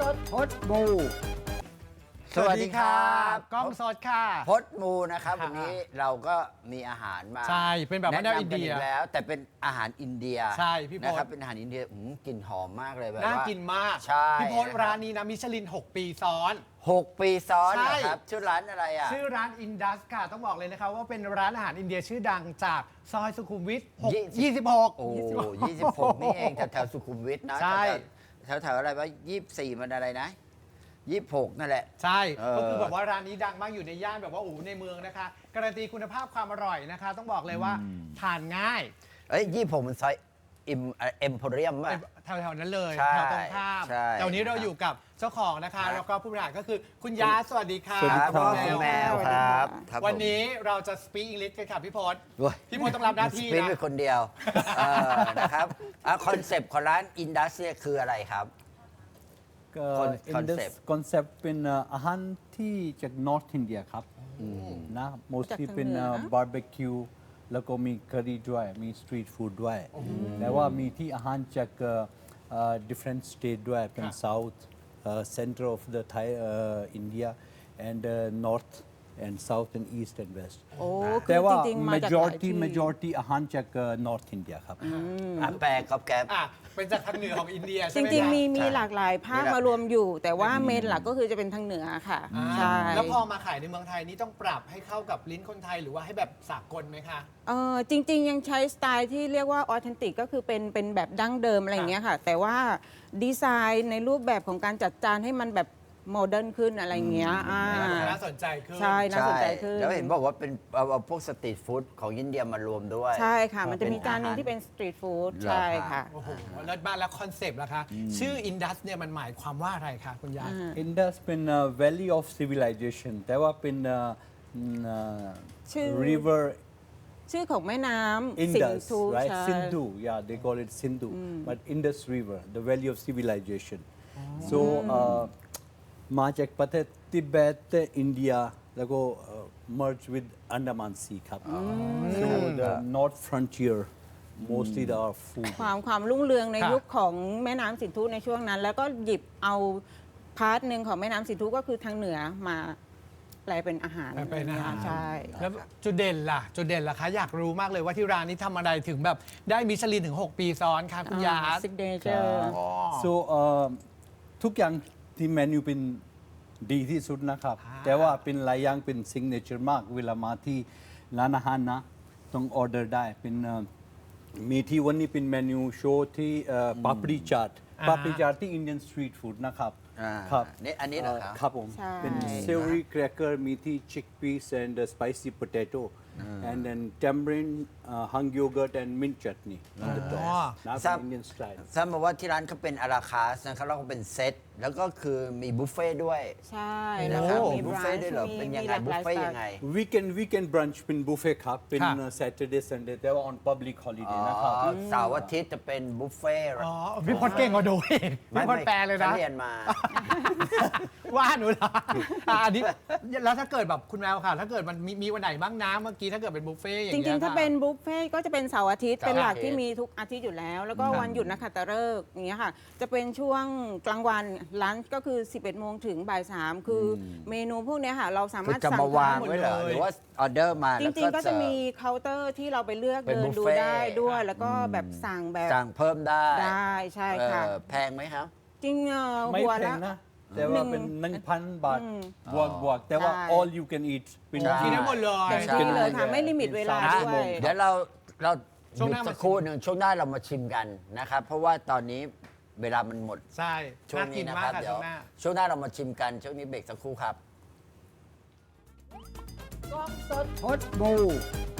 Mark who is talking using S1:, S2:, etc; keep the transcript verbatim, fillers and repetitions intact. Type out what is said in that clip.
S1: ดพดมูสวัสดีครับ
S2: กล้องสดค่ะ
S1: พดมูนะครับวันนี้เราก็มีอาหารมา
S2: ใช่เป็นแบบว่าแนวอินเดีย
S1: แล้วแต่เป็นอาหารอินเดีย
S2: ใช่พี่พศ
S1: นะครับเป็นอาหารอินเดียอืมกลิ่นหอมมากเลยแบบว่า
S2: น่ากินมาก
S1: ใช่
S2: พี่พศร้านนี้นะมิชลินหกปีซ้อน
S1: หกปีซ้อน
S2: ใช่
S1: นะครับชื่อร้านอะไรอ่ะ
S2: ชื่อร้านอินดัสค่ะต้องบอกเลยนะคะว่าเป็นร้านอาหารอินเดียชื่อดังจากซอยสุขุมวิทยี่สิบหก
S1: โอ้ยี่สิบหกนี่เองแถวๆสุขุมวิทนะ
S2: ใช่
S1: แถวๆอะไรวะยี่สิบสี่มันอะไรนะยี่สิบหกนั่นแหละ
S2: ใช่
S1: เออ
S2: ก็คือแบบว่าร้านนี้ดังมากอยู่ในย่านแบบว่าโอ้โหในเมืองนะคะการันตีคุณภาพความอร่อยนะคะ ต้องบอกเลยว่าทานง่าย
S1: เอ้ยยี่สิบหกมันซอยอิมเอ็มโพเรียมป่ะ
S2: แถวๆนั้นเลย
S1: ใช่
S2: แถวตรงข้าม
S1: ใช่
S2: แต่วันนี้เราอยู่กับเจ้าของนะคะ
S1: ครับ
S2: แล้วก็ผู้บริหารก็คือคุณยาสวัสดีค่ะ
S1: สวัสดีครับ
S2: ณ
S1: คุณแมว
S2: ว
S1: ครับครับ
S2: วัน
S1: ผม
S2: นี้เราจะ speak English กันค่ะพี่พศ
S1: โอ้ย
S2: พี่พศต้องรับหน้าที่
S1: สปีด
S2: นะ
S1: เป็นคนเดียวเออนะครับคอนเซปต์ของร้านอินดัสเนี่ยคืออะไรครับ
S3: อินดัสคอนเซปต์เป็นอาหารที่จาก North India ครับนะ mostly เป็นบาร์บีคิวแล้วก็มีค u r r y ด้วยมีสตรีทฟู้ดด้วยแต่ว่ามีที่อาหารจาก different state ด้วยเป็น South center of the Thai India and North and South and East and West
S4: โอ้คื
S3: แต่
S4: อ
S3: ว่า
S4: จริงๆ มาจากหลาย
S3: majority
S4: ที่
S3: majority อาหารจาก North India ครับ
S1: อ่ะแปลกับแกบ
S2: อ่ะเป็นจากทางเหนือของอินเดีย
S4: จ
S2: ใช่ไหม
S4: ริง ๆ มี
S2: คะ
S4: มี
S1: ใช่
S4: หลากหลายภาค
S1: มีหลาก
S4: มารวมอยู่ แต่ว่าเมนหลักก็คือจะเป็นทางเหนือค่ะ
S2: อ่า
S4: ใช่
S2: แล้วพอมาขายในเมืองไทยนี่ต้องปรับให้เข้ากับลิ้นคนไทยหรือว่าให้แบบสากลไหมคะ
S4: เออจริง ๆ ยังใช้สไตล์ที่เรียกว่าออเทนติกก็คือเป็นเป็นแบบดั้งเดิมอะไรอย่างเงี้ยค่ะ แต่ว่าดีไซน์ในรูปแบบของการจัดจานให้มันแบบโมเดิร์นขึ้นอะไรอย่างเงี้ยอ่า
S2: น่าสนใจขึ้น
S4: ใช่ น่าสนใจขึ้น
S1: แล้วเห็นบอกว่าเป็นเอาเอาพวกสตรีทฟู้ดของอินเดียมารวมด้วย
S4: ใช่ค่ะ มันจะมี
S1: เป็น
S4: จานหนึง
S1: อาหาร
S4: ที่เป็นสตรีทฟู้ด
S1: เหรอ
S4: ใช่
S1: คะ
S4: ค่ะ
S2: โอ้โหเลิศมากแล้วคอนเซปต์ล่ะคะ ชื่ออินดัสเนี่ยมันหมายความว่าอะไรคะคุณยา
S3: Indus เป็น Valley of Civilization แต่ว่าเป็น
S4: ชื่อ
S3: river
S4: ชื่อของแม่น้ำสิน
S3: Indus
S4: ธุ
S3: right
S4: ใช่
S3: Sindhu yeah they call it Sindhu but Indus River the Valley of Civilization so มาจากประเทศทิเบตอินเดียแล้วก็ merge with Andaman Sea ครับ so the north frontier mostly the food
S4: ความความรุ่งเรืองใน
S2: ค่ะ
S4: ยุคของแม่น้ำสินธุในช่วงนั้น แล้วก็หยิบเอาพาร์ทหนึ่งของแม่น้ำสินธุก็คือทางเหนือมาแปลเป็นอาหาร
S2: แปลเป็นอาหาร
S4: ใช่
S2: แล้วจุดเด่นล่ะ จุดเด่นล่ะคะ อยากรู้มากเลยว่าที่ร้านนี้ทำอะไรถึงแบบได้มิชลินถึง หก ปีซ้อนคะคุณยา
S4: ซิกเนเจอร์
S2: อ๋อ
S3: so เอ่อทุกอย่างที่เมนูเป็นดีที่สุดนะครับ แต่ว่าเป็นหลายอย่างเป็น signature มาก เวลามาที่ร้านอาหารนะ ต้องออเดอร์ได้เป็นเอ่อมีที่วันนี้เป็นเมนูโชว์ที่ปาปริจัด
S2: อ่า
S3: ปาปริจัดที่ Indian street food นะครับ
S1: อ่า
S3: ครับ
S1: นี่อันนี้เหรอครับ
S3: ครับผม
S4: ใช่
S3: เป็น savory cracker มีที่ chickpeas and uh, spicy potato and then tamarind uh, hung yogurt and mint chutney on the
S2: อ๋อ
S3: top นะ
S1: ทราบ
S3: เป็น Indian style
S1: ทราบมาว่าที่ร้านเขาเป็นอาราคาสนะครับแล้วก็เป็นเซตแล้วก็คือมีบุฟเฟ่ต์ด้วย
S4: ใช่
S1: นะครับ
S4: แล้วก็
S1: มีบุฟเฟ่ต์ด้วยเหรอ
S4: มี
S1: เป็นยัง
S4: มี
S1: ไง
S4: หลาก
S1: บุ
S4: ห
S1: ฟ
S4: ลาย
S1: เฟ่ต์
S4: สไตล์
S1: ยังไง
S3: weekend weekend brunch เป็นบุฟเฟ่ครับ เป็น
S2: ค่ะ
S3: uh, Saturday Sunday แต่ว่า on public
S1: อ๋
S3: holiday
S1: อ
S3: นะครับ
S1: เสาร์อาทิตย์จะเป็นบุฟเฟ่ต์
S2: อ๋อพี่พศเก่งกว่าดูอีกพี่พศแปลเลยนะ
S1: ฉัเรียนมา
S2: ว่าหนูเหรออ่ะอันนี้แล้วถ้าเกิดแบบคุณแมวค่ะ ถ้าเกิดมันมีมีวันไหนบ้างนะเมื่อกี้ถ้าเกิดเป็นบุฟเฟ่ต์อย่าง
S4: จ
S2: เงี้ย
S4: ริง ๆ ถ้า
S2: ค่ะ
S4: เป็นบุฟเฟ่ต์ก็จะเป็นเสาร์อาทิตย์
S1: เสาร์
S4: เป็นหลัก
S1: อาทิตย์
S4: ที่มีทุกอาทิตย์อยู่แล้ว แล้วก็
S2: ครับ
S4: วันหยุดนักขัตฤกษ์อย่างเงี้ยค่ะ จะเป็นช่วงกลางวันร้านก็คือ สิบเอ็ดโมงถึงบ่ายสามคืออเมนูพวกเนี้ยค่ะ เราสา
S1: คื
S4: มา
S1: อ
S4: รถ
S1: จะ
S4: สั่ง
S1: มาวาง
S4: ได้หมด
S1: ไว้เหรอ
S4: เลย
S1: หรือว่าออเดอร์มา
S4: จ
S1: แล้ว
S4: ริง ๆ ก็จะ
S1: เสิร์ฟ
S4: มีเคาน์เตอร์ที่เราไปเลือก
S1: เป็น
S4: เดิน
S1: บุฟ
S4: ดู
S1: เฟ่ต์
S4: ได้ด้วย แล้วก็แบบสั่งแบบ
S1: สั่งเพิ่มได้
S4: ได้ใช่ค่ะ
S1: เออแพงไหมครับ
S4: จริงเอ่อ
S3: ไม่
S4: หัว
S3: แพ
S4: ละ
S3: งนะ แต่ว่าเป็น
S4: หนึ่ง
S3: หนึ่งพันบาท
S4: อืม
S3: บวกบวกแต่ว่า
S4: ใช่
S3: all you can eat เป็น
S1: ใช่
S2: กินได้หมดเลย
S4: เต็ม
S1: ใช่
S4: ที่เลยค่ะ ไม่ลิมิตเวลา
S1: อ่ะ
S4: ด้วย
S1: เดี๋ยวเราเรา
S2: ช่วง
S1: ห
S2: ห
S1: ยุด
S2: น้า
S1: สักครู่หนึ่งช่วงหน้าเรามาชิมกันนะครับ เพราะว่าตอนนี้เวลามันหมด
S2: ใช่
S1: ช่วง
S2: น่ากิ
S1: นี้
S2: น
S1: นะ
S2: มา
S1: ค
S2: ก
S1: รับ
S2: ค่ะ
S1: เดี๋ย
S2: ช่
S1: ว
S2: วงหน้า
S1: ช่วงหน้าเรามาชิมกันช่วงนี้เบรกสักครู่ครับ
S4: กล้องสด
S1: พดมู